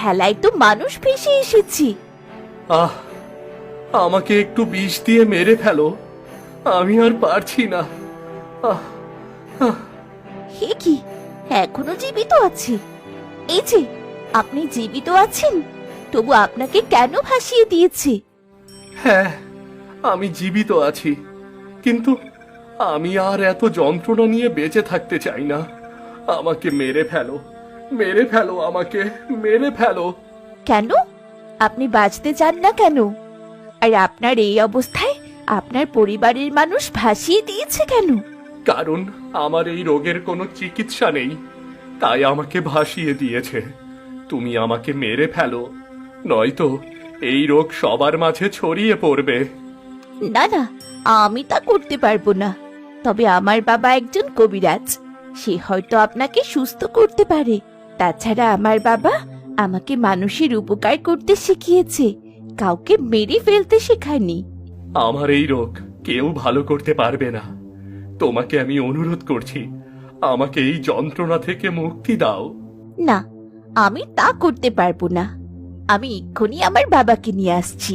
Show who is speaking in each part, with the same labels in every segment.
Speaker 1: ভেলায় তো মানুষ ভেসে এসেছে।
Speaker 2: আহ, আমাকে একটু বিষ দিয়ে মেরে ফেলো, আমি আর পারছি না। আহ, আহ,
Speaker 1: হে কি, এখনো জীবিত আছে? এই যে, আপনি জীবিত আছেন, তবু আপনাকে কেন ভাসিয়ে দিয়েছে?
Speaker 2: হ্যাঁ, আমি জীবিত আছি, কিন্তু আমি আর এত যন্ত্রণা নিয়ে বেঁচে থাকতে চাই না। আমাকে মেরে ফেলো, মেরে ফেলো, আমাকে মেরে ফেলো।
Speaker 1: কেন? আপনি বাঁচতে চান না কেন? আর আপনার এই অবস্থায় আপনার পরিবারের মানুষ ভাসিয়ে দিয়েছে কেন?
Speaker 2: কারণ আমার এই রোগের কোনো চিকিৎসা নেই, তাই আমাকে ভাসিয়ে দিয়েছে। তুমি আমাকে মেরে ফেলো, নয়তো এই রোগ সবার মাঝে ছড়িয়ে পড়বে।
Speaker 1: না না, আমি তা করতে পারবো না। তবে আমার বাবা একজন কবিরাজ, সে হয়তো আপনাকে সুস্থ করতে পারে। তাছাড়া আমার বাবা আমাকে মানুষের উপকার করতে শিখিয়েছে, কাউকে মেরে ফেলতে শেখায়নি।
Speaker 2: আমার এই রোগ কেউ ভালো করতে পারবে না। তোমাকে আমি অনুরোধ করছি, আমাকে এই যন্ত্রণা থেকে মুক্তি দাও।
Speaker 1: না, আমি তা করতে পারবো না। আমি এক্ষুনি আমার বাবাকে নিয়ে আসছি।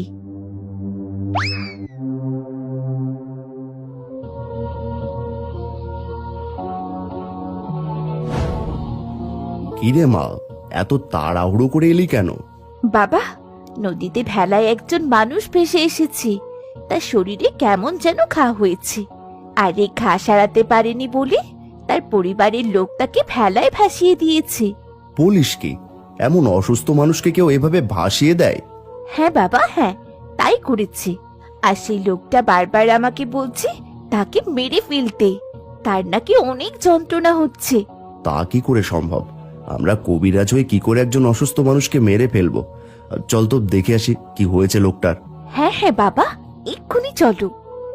Speaker 3: কিরে মা, এত তাড়াহুড়ো করে এলি কেন?
Speaker 1: বাবা, নদীতে ভেলায় একজন মানুষ ভেসে এসেছে, তার শরীরে কেমন যেন ঘা হয়েছে। আর এই ঘা সারাতে পারেনি বলে তার পরিবারের লোক তাকে ভেলায় ভাসিয়ে দিয়েছে।
Speaker 3: বলিস কি, এমন অসুস্থ মানুষকে কেউ এভাবে ভাসিয়ে দেয়?
Speaker 1: হ্যাঁ বাবা, হ্যাঁ, তাই করেছে। আর সেই লোকটা বারবার আমাকে বলছে তাকে মেরে ফেলতে, তার নাকি অনেক যন্ত্রণা হচ্ছে।
Speaker 3: তা কি করে সম্ভব? আমরা কবিরাজ হয়ে কি করে একজন অসুস্থ মানুষকে মেরে ফেলবো? চল তো দেখে আসি কি হয়েছে লোকটার।
Speaker 1: হ্যাঁ হ্যাঁ বাবা, এক্ষুনি চলো।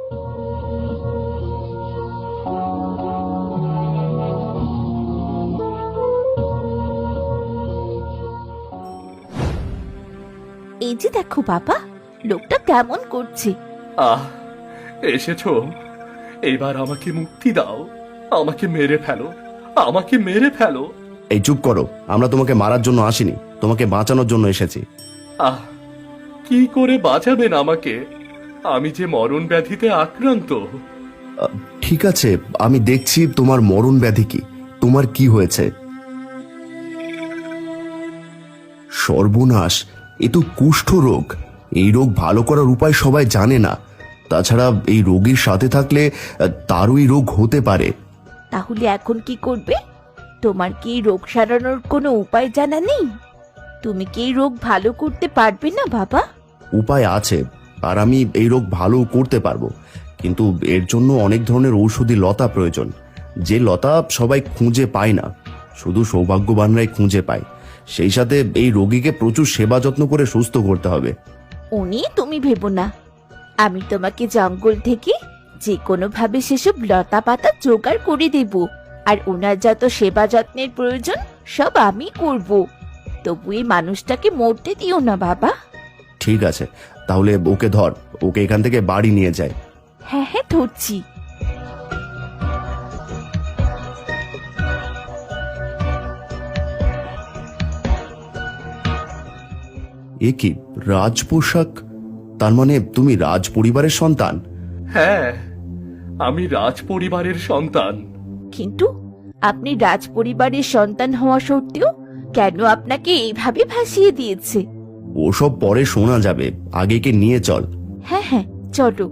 Speaker 1: এই যে দেখো বাবা, লোকটা কেমন করছে।
Speaker 2: আহ, এসেছো, এবার আমাকে মুক্তি দাও। আমাকে মেরে ফেলো, আমাকে মেরে ফেলো।
Speaker 3: এই চুপ করো, আমরা তোমাকে মারার জন্য আসিনি, তোমাকে বাঁচানোর জন্য এসেছি।
Speaker 2: আহ, কি করে বাঁচাবেন আমাকে? আমি যে মরণ ব্যাধিতে আক্রান্ত।
Speaker 3: ঠিক আছে, আমি দেখছি তোমার মরণ ব্যাধি কি, তোমার কি হয়েছে। সর্বনাশ, এ তো কুষ্ঠ রোগ। এই রোগ ভালো করার উপায় সবাই জানে না। তাছাড়া এই রোগীর সাথে থাকলে তারও এই রোগ হতে পারে।
Speaker 1: তাহলে এখন কি করবে? তোমার কি এই রোগ সারানোর কোনো উপায় জানা নেই? তুমি কি এই রোগ ভালো করতে পারবে না বাবা?
Speaker 3: উপায় আছে, আর আমি এই রোগ ভালো করতে পারবো, কিন্তু এর জন্য অনেক ধরনের ঔষধি লতা প্রয়োজন, যে লতা সবাই খুঁজে পায় না, শুধু সৌভাগ্যবানরাই খুঁজে পায়। সেই সাথে এই রোগীকে প্রচুর সেবা যত্ন করে সুস্থ করতে হবে।
Speaker 1: উনি তুমি ভেবো না, আমি তোমাকে জঙ্গল থেকে যে কোনো ভাবে সেসব লতা পাতা জোগাড় করে দেব। আর ওনার যত সেবা যত্নের প্রয়োজন সব আমি করব। তবু এই মানুষটাকে মরতে দিও না বাবা।
Speaker 3: ঠিক আছে, তাহলে ওকে ধর, ওকে এখান থেকে বাড়ি নিয়ে যায়।
Speaker 1: হ্যাঁ হ্যাঁ, ধরছি।
Speaker 3: এ কি রাজ পোশাক? তার মানে তুমি রাজ পরিবারের সন্তান?
Speaker 2: হ্যাঁ, আমি রাজ পরিবারের সন্তান।
Speaker 1: কিন্তু আপনি রাজ পরিবারের সন্তান হওয়া সত্ত্বেও কেন আপনাকে এইভাবে ভাসিয়ে দিয়েছে?
Speaker 3: ওসব পরে শোনা যাবে, আগে কে নিয়ে চল।
Speaker 1: হ্যাঁ হ্যাঁ, চলো।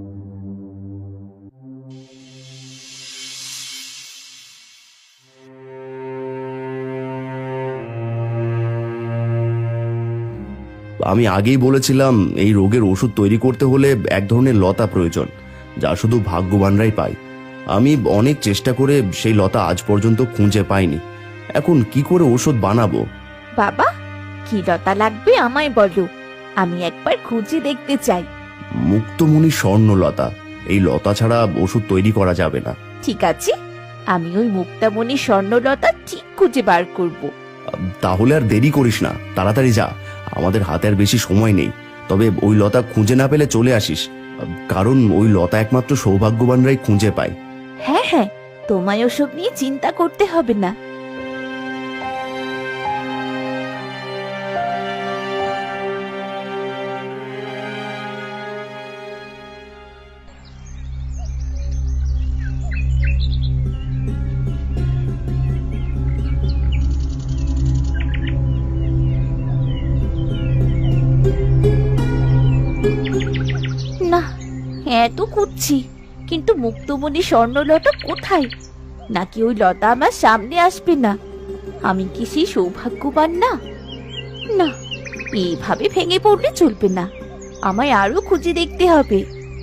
Speaker 3: আমি আগেই বলেছিলাম, এই রোগের ওষুধ তৈরি করতে হলে এক ধরনের লতা প্রয়োজন, যা শুধু ভাগ্যবানরাই পায়। আমি অনেক চেষ্টা করে সেই লতা আজ পর্যন্ত খুঁজে পাইনি। এখন কি করে ওষুধ বানাবো?
Speaker 1: বাবা, কি লতা লাগবে আমায় বলো, আমি একবার খুঁজে দেখতে চাই।
Speaker 3: মুক্তমণি স্বর্ণলতা, এই লতা ছাড়া ওষুধ তৈরি করা যাবে না।
Speaker 1: ঠিক আছে, আমি ওই মুক্তামণি স্বর্ণলতা ঠিক খুঁজে বার করব।
Speaker 3: তাহলে আর দেরি করিস না, তাড়াতাড়ি যা, আমাদের হাতে আর বেশি সময় নেই। তবে ওই লতা খুঁজে না পেলে চলে আসিস, কারণ ওই লতা একমাত্র সৌভাগ্যবানরাই খুঁজে পায়।
Speaker 1: হ্যাঁ হ্যাঁ, তোমায় ওসব নিয়ে চিন্তা করতে হবে না। হ্যাঁ তো খুঁজছি, কিন্তু মুক্তমণি স্বর্ণলতা কোথায়? নাকি ওই লতা আমার সামনে আসবে না? আমি কি সেই সৌভাগ্যবান না? না, এইভাবে ভেঙে পড়লে চলবে না, আমায় আরো খুঁজে দেখতে হবে।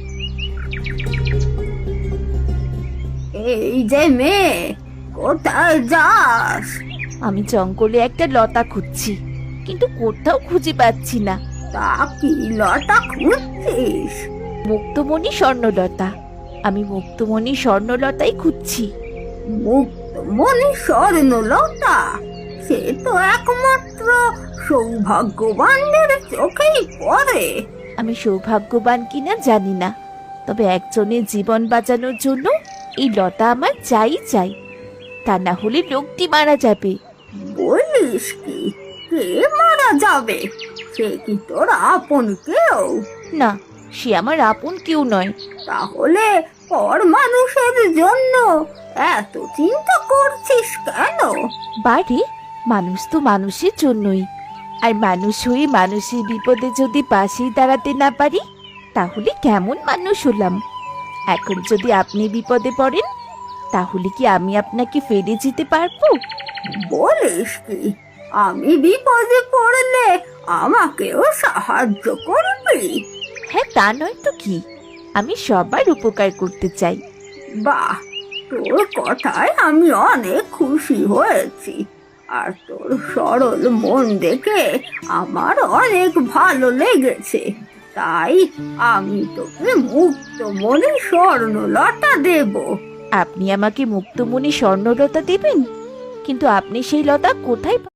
Speaker 4: এই যে মেয়ে, কোথায় যাস?
Speaker 1: আমি জঙ্গলে একটা লতা খুঁজছি, কিন্তু কোথাও খুঁজে পাচ্ছি না।
Speaker 4: তা কি লতা খুঁজছিস?
Speaker 1: মুক্তমণি স্বর্ণলতা, আমি মুক্তমণি স্বর্ণলতাই খুঁজছি।
Speaker 4: মুক্তমণি স্বর্ণলতা? সে তো একমাত্র সৌভাগ্যবানদের চোখেই পড়ে।
Speaker 1: আমি সৌভাগ্যবান কিনা জানি না, তবে একজনের জীবন বাঁচানোর জন্য এই লতা আমার চাই চাই, তা না হলে লোকটি মারা যাবে।
Speaker 4: বলিস কি? কে মারা যাবে? সে কি তোর আপন কেউ?
Speaker 1: না, সে আমার আপন কেউ নয়।
Speaker 4: তাহলে পর মানুষের জন্য এত চিন্তা করছিস কেন?
Speaker 1: বাড়ি, মানুষ তো মানুষের জন্যই, আর মানুষ হয়ে মানুষের বিপদে যদি পাশেই দাঁড়াতে না পারি, তাহলে কেমন মানুষ হলাম? এখন যদি আপনি বিপদে পড়েন, তাহলে কি আমি আপনাকে ফেলে যেতে পারবো?
Speaker 4: বলিস কি? আমি বিপদে পড়লে আমাকেও সাহায্য করবি?
Speaker 1: হ্যাঁ, তা নয় তো কি, আমি সবার উপকার করতে চাই।
Speaker 4: বাহ, তোর কথায় আমি অনেক খুশি হয়েছি। আর তোর সরল মন দেখে আমার অনেক ভালো লেগেছে। তাই আমি তোকে মুক্তমণি স্বর্ণলতা দেব।
Speaker 1: আপনি আমাকে মুক্তমণি স্বর্ণলতা দেবেন? কিন্তু আপনি সেই লতা কোথায়